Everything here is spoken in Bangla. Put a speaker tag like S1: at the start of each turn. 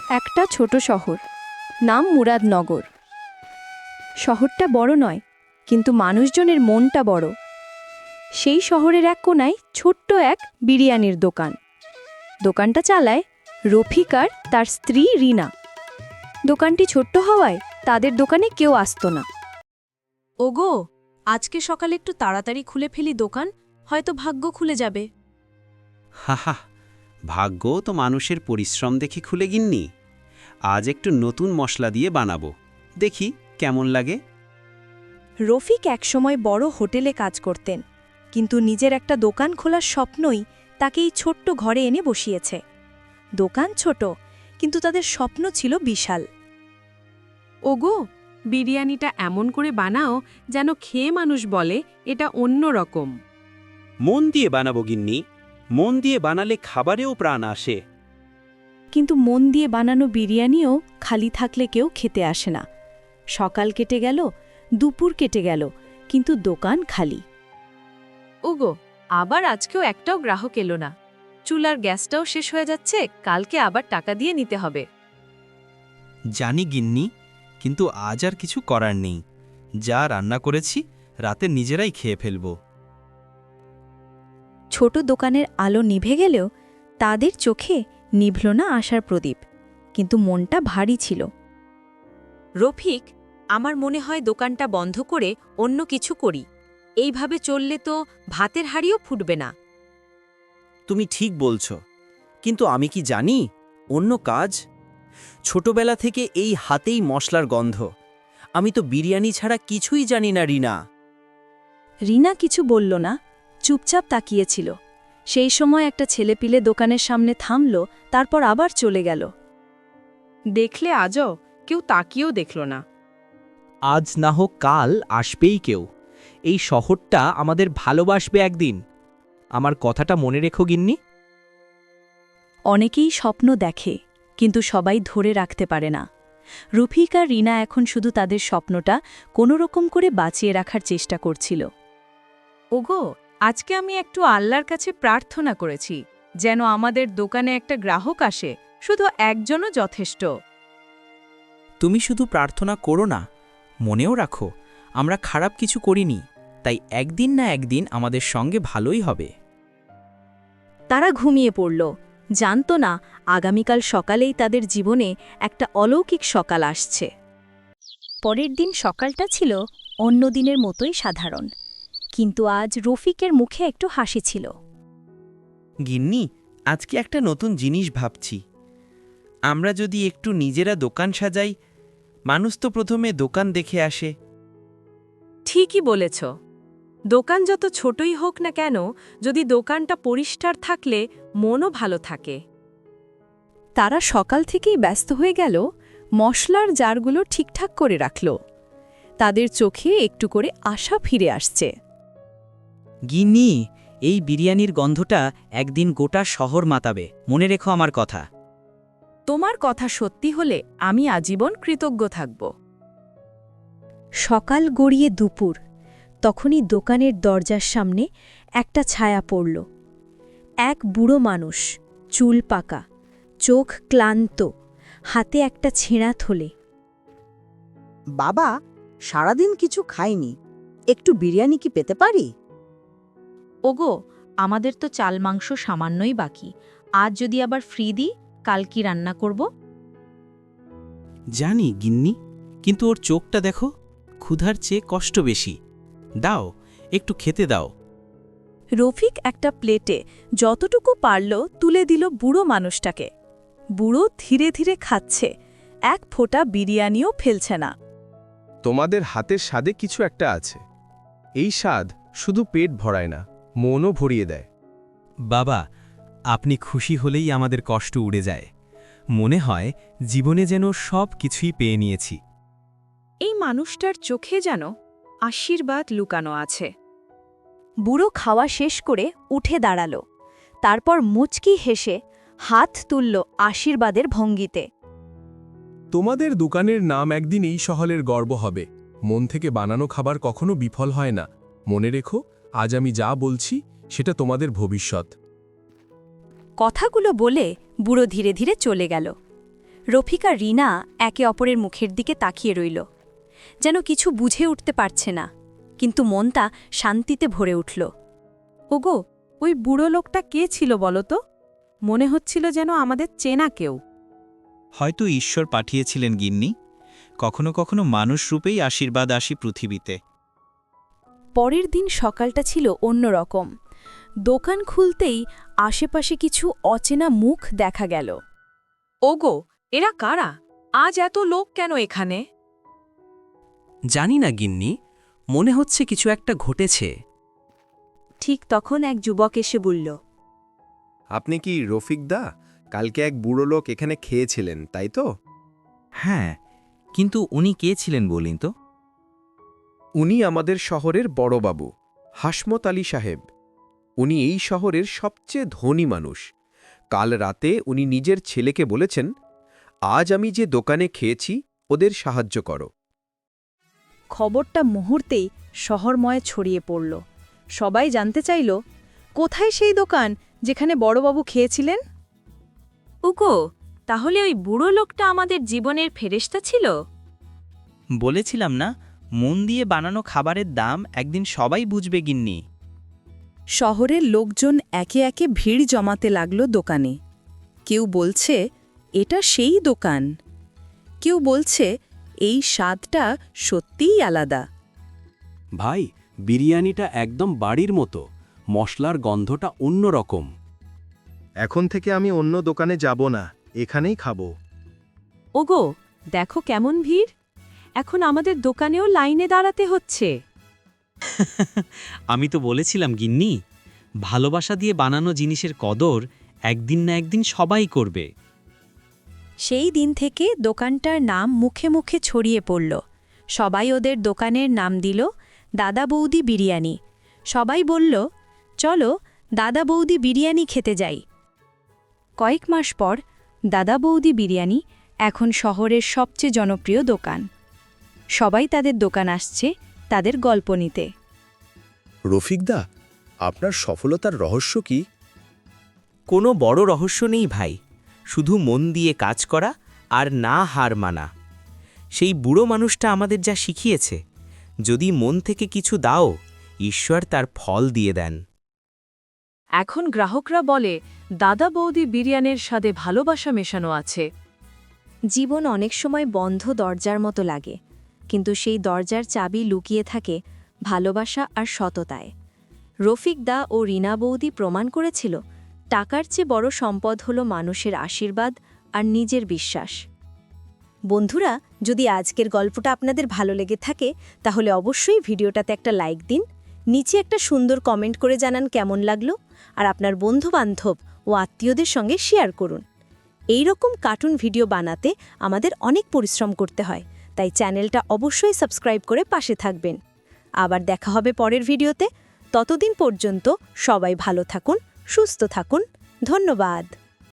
S1: একটা ছোট শহর, নাম মুরাদনগর। শহরটা বড় নয়, কিন্তু মানুষজনের মনটা বড়। সেই শহরের এক কোনায় ছোট্ট এক বিরিয়ানির দোকান। দোকানটা চালায় রফিক আর তার স্ত্রী রিনা। দোকানটি ছোট্ট হওয়ায় তাদের দোকানে কেউ আসতো না।
S2: ওগো, আজকে সকালে একটু তাড়াতাড়ি খুলে ফেলি দোকান, হয়তো ভাগ্য খুলে যাবে।
S3: হাহা, ভাগ্য তো মানুষের পরিশ্রম দেখে খুলে গিন্নি। আজ একটু নতুন মশলা দিয়ে বানাবো, দেখি কেমন লাগে।
S1: রফিক একসময় বড় হোটেলে কাজ করতেন, কিন্তু নিজের একটা দোকান খোলার স্বপ্নই তাকে এই ছোট্ট ঘরে এনে বসিয়েছে। দোকান ছোট, কিন্তু তাদের স্বপ্ন ছিল বিশাল।
S2: ওগো, বিরিয়ানিটা এমন করে বানাও যেন খেয়ে মানুষ বলে এটা অন্য রকম।
S3: মন দিয়ে বানাবো গিন্নি, মন দিয়ে বানালে খাবারেও প্রাণ আসে।
S1: কিন্তু মন দিয়ে বানানো বিরিয়ানিও খালি থাকলে কেউ খেতে আসে না। সকাল কেটে গেল, দুপুর কেটে গেল, কিন্তু দোকান খালি।
S2: ওগো, আবার আজকেও একটাও গ্রাহক এলো না। চুলার গ্যাসটাও শেষ হয়ে যাচ্ছে, কালকে আবার টাকা দিয়ে নিতে হবে।
S4: জানি গিন্নি, কিন্তু আজ আর কিছু করার নেই। যা রান্না করেছি রাতে নিজেরাই খেয়ে ফেলব।
S1: ছোট দোকানের আলো নিভে গেলেও তাদের চোখে নিভল না আশার প্রদীপ, কিন্তু মনটা ভারী ছিল।
S2: রফিক, আমার মনে হয় দোকানটা বন্ধ করে অন্য কিছু করি। এইভাবে চললে তো ভাতের হাঁড়িও ফুটবে না।
S5: তুমি ঠিক বলছ, কিন্তু আমি কি জানি অন্য কাজ? ছোটবেলা থেকে এই হাতেই মশলার গন্ধ। আমি তো বিরিয়ানি ছাড়া কিছুই জানি না রিনা।
S1: রিনা কিছু বলল না, চুপচাপ তাকিয়েছিল। সেই সময় একটা ছেলেপিলে দোকানের সামনে থামল, তারপর আবার চলে গেল।
S2: দেখলে আজও কেউ তাকিয়েও দেখল না।
S6: আজ না হোক কাল আসবেই কেউ। এই শহরটা আমাদের ভালোবাসবে একদিন। আমার কথাটা মনে রেখো গিন্নি।
S1: অনেকেই স্বপ্ন দেখে, কিন্তু সবাই ধরে রাখতে পারে না। রফিক আর রিনা এখন শুধু তাদের স্বপ্নটা কোনোরকম করে বাঁচিয়ে রাখার চেষ্টা করছিল।
S2: ওগো, আজকে আমি একটু আল্লাহর কাছে প্রার্থনা করেছি যেন আমাদের দোকানে একটা গ্রাহক আসে, শুধু একজনও যথেষ্ট।
S6: তুমি শুধু প্রার্থনা করো না, মনেও রাখো আমরা খারাপ কিছু করিনি, তাই একদিন না একদিন আমাদের সঙ্গে ভালোই হবে।
S1: তারা ঘুমিয়ে পড়ল, জানত না আগামীকাল সকালেই তাদের জীবনে একটা অলৌকিক সকাল আসছে। পরের দিন সকালটা ছিল অন্য দিনের মতোই সাধারণ, কিন্তু আজ রফিকের মুখে একটু হাসি ছিল।
S5: গিন্নি, আজকে একটা নতুন জিনিস ভাবছি। আমরা যদি একটু নিজেরা দোকান সাজাই, মানুষ তো প্রথমে দোকান দেখে আসে।
S2: ঠিকই বলেছ। দোকান যত ছোটই হোক না কেন, যদি দোকানটা পরিষ্কার থাকলে মনও ভালো থাকে।
S1: তারা সকাল থেকেই ব্যস্ত হয়ে গেল, মশলার জারগুলো ঠিকঠাক করে রাখল। তাদের চোখে একটু করে আশা ফিরে আসছে।
S5: গিন্নি, এই বিরিয়ানির গন্ধটা একদিন গোটা শহর মাতাবে, মনে রেখো আমার কথা।
S2: তোমার কথা সত্যি হলে আমি আজীবন কৃতজ্ঞ থাকব।
S1: সকাল গড়িয়ে দুপুর, তখনই দোকানের দরজার সামনে একটা ছায়া পড়ল। এক বুড়ো মানুষ, চুল পাকা, চোখ ক্লান্ত, হাতে একটা ছেঁড়া থলে।
S7: বাবা, সারাদিন কিছু খাইনি, একটু বিরিয়ানি কি পেতে পারি?
S2: ওগো, আমাদের তো চাল মাংস সামান্যই বাকি। আজ যদি আবার ফ্রি দিই, কাল কি রান্না করব?
S4: জানি গিন্নি, কিন্তু ওর চোখটা দেখো, ক্ষুধার চেয়ে কষ্ট বেশি। দাও, একটু খেতে দাও।
S1: রফিক একটা প্লেটে যতটুকু পারল তুলে দিল বুড়ো মানুষটাকে। বুড়ো ধীরে ধীরে খাচ্ছে, এক ফোঁটা বিরিয়ানিও ফেলছে না।
S8: তোমাদের হাতের স্বাদে কিছু একটা আছে। এই স্বাদ শুধু পেট ভরায় না, মনও ভরিয়ে দেয়।
S4: বাবা, আপনি খুশি হলেই আমাদের কষ্ট উড়ে যায়। মনে হয় জীবনে যেন সব কিছুই পেয়ে নিয়েছি।
S2: এই মানুষটার চোখে যেন আশীর্বাদ লুকানো আছে।
S1: বুড়ো খাওয়া শেষ করে উঠে দাঁড়াল, তারপর মুচকি হেসে হাত তুলল আশীর্বাদের ভঙ্গিতে।
S8: তোমাদের দোকানের নাম একদিন এই শহরের গর্ব হবে। মন থেকে বানানো খাবার কখনো বিফল হয় না। মনে রেখো, আজ আমি যা বলছি সেটা তোমাদের ভবিষ্যৎ।
S1: কথাগুলো বলে বুড়ো ধীরে ধীরে চলে গেল। রফিক আর রিনা একে অপরের মুখের দিকে তাকিয়ে রইল, যেন কিছু বুঝে উঠতে পারছে না, কিন্তু মনটা শান্তিতে ভরে উঠল।
S2: ওগো, ওই বুড়ো লোকটা কে ছিল বলো তো? মনে হচ্ছিল যেন আমাদের চেনা কেউ।
S4: হয়তো ঈশ্বর পাঠিয়েছিলেন গিন্নি, কখনো কখনো মানুষ রূপেই আশীর্বাদ আসি পৃথিবীতে।
S1: পরের দিন সকালটা ছিল অন্যরকম। দোকান খুলতেই আশেপাশে কিছু অচেনা মুখ দেখা গেল।
S2: ওগো, এরা কারা? আজ এত লোক কেন এখানে?
S5: জানি না গিন্নি, মনে হচ্ছে কিছু একটা ঘটেছে।
S1: ঠিক তখন এক যুবক এসে বলল,
S8: আপনি কি রফিক দা? কালকে এক বুড়ো লোক এখানে খেয়েছিলেন, তাই তো?
S6: হ্যাঁ, কিন্তু উনি কে ছিলেন বলিন তো?
S8: উনি আমাদের শহরের বড়বাবু, হাসমত আলী সাহেব। উনি এই শহরের সবচেয়ে ধনী মানুষ। কাল রাতে উনি নিজের ছেলেকে বলেছেন, আজ আমি যে দোকানে খেয়েছি ওদের সাহায্য করো।
S2: খবরটা মুহূর্তেই শহরময় ছড়িয়ে পড়ল। সবাই জানতে চাইল, কোথায় সেই দোকান যেখানে বড়বাবু খেয়েছিলেন?
S1: উগো, তাহলে ওই বুড়ো লোকটা আমাদের জীবনের ফেরেশতা ছিল?
S6: বলেছিলাম না, মন দিয়ে বানানো খাবারের দাম একদিন সবাই বুঝবে গিন্নি।
S2: শহরের লোকজন একে একে ভিড় জমাতে লাগল দোকানে। কেউ বলছে এটা সেই দোকান, কেউ বলছে এই স্বাদটা সত্যিই আলাদা।
S9: ভাই, বিরিয়ানিটা একদম বাড়ির মতো, মশলার গন্ধটা অন্যরকম।
S8: এখন থেকে আমি অন্য দোকানে যাব না, এখানেই খাবো।
S2: ওগো, দেখো কেমন ভিড়! এখন আমাদের দোকানেও লাইনে দাঁড়াতে হচ্ছে।
S3: আমি তো বলেছিলাম গিন্নি, ভালোবাসা দিয়ে বানানো জিনিসের কদর একদিন না একদিন সবাই করবে।
S1: সেই দিন থেকে দোকানটার নাম মুখে মুখে ছড়িয়ে পড়ল। সবাই ওদের দোকানের নাম দিল দাদা বৌদি বিরিয়ানি। সবাই বলল, চলো দাদা বৌদি বিরিয়ানি খেতে যাই। কয়েক মাস পর দাদা বৌদি বিরিয়ানি এখন শহরের সবচেয়ে জনপ্রিয় দোকান। সবাই তাদের দোকান আসছে তাদের গল্প নিতে।
S8: রফিকদা, আপনার সফলতার রহস্য কি?
S5: কোনো বড় রহস্য নেই ভাই, শুধু মন দিয়ে কাজ করা আর না হার মানা। সেই বুড়ো মানুষটা আমাদের যা শিখিয়েছে, যদি মন থেকে কিছু দাও, ঈশ্বর তার ফল দিয়ে দেন।
S2: এখন গ্রাহকরা বলে, দাদা বৌদি বিরিয়ানির স্বাদে ভালোবাসা মেশানো আছে।
S1: জীবন অনেক সময় বন্ধ দরজার মতো লাগে, কিন্তু সেই দরজার চাবি লুকিয়ে থাকে ভালোবাসা আর সততায়। রফিক দা ও রিনা বৌদি প্রমাণ করেছিল, টাকার চেয়ে বড় সম্পদ হলো মানুষের আশীর্বাদ আর নিজের বিশ্বাস। বন্ধুরা, যদি আজকের গল্পটা আপনাদের ভালো লেগে থাকে, তাহলে অবশ্যই ভিডিওটাতে একটা লাইক দিন, নিচে একটা সুন্দর কমেন্ট করে জানান কেমন লাগলো, আর আপনার বন্ধু-বান্ধব ও আত্মীয়দের সঙ্গে শেয়ার করুন। এই রকম কার্টুন ভিডিও বানাতে আমাদের অনেক পরিশ্রম করতে হয়, তাই চ্যানেলটা অবশ্যই সাবস্ক্রাইব করে পাশে থাকবেন। আবার দেখা হবে পরের ভিডিওতে। ততদিন পর্যন্ত সবাই ভালো থাকুন, সুস্থ থাকুন। ধন্যবাদ।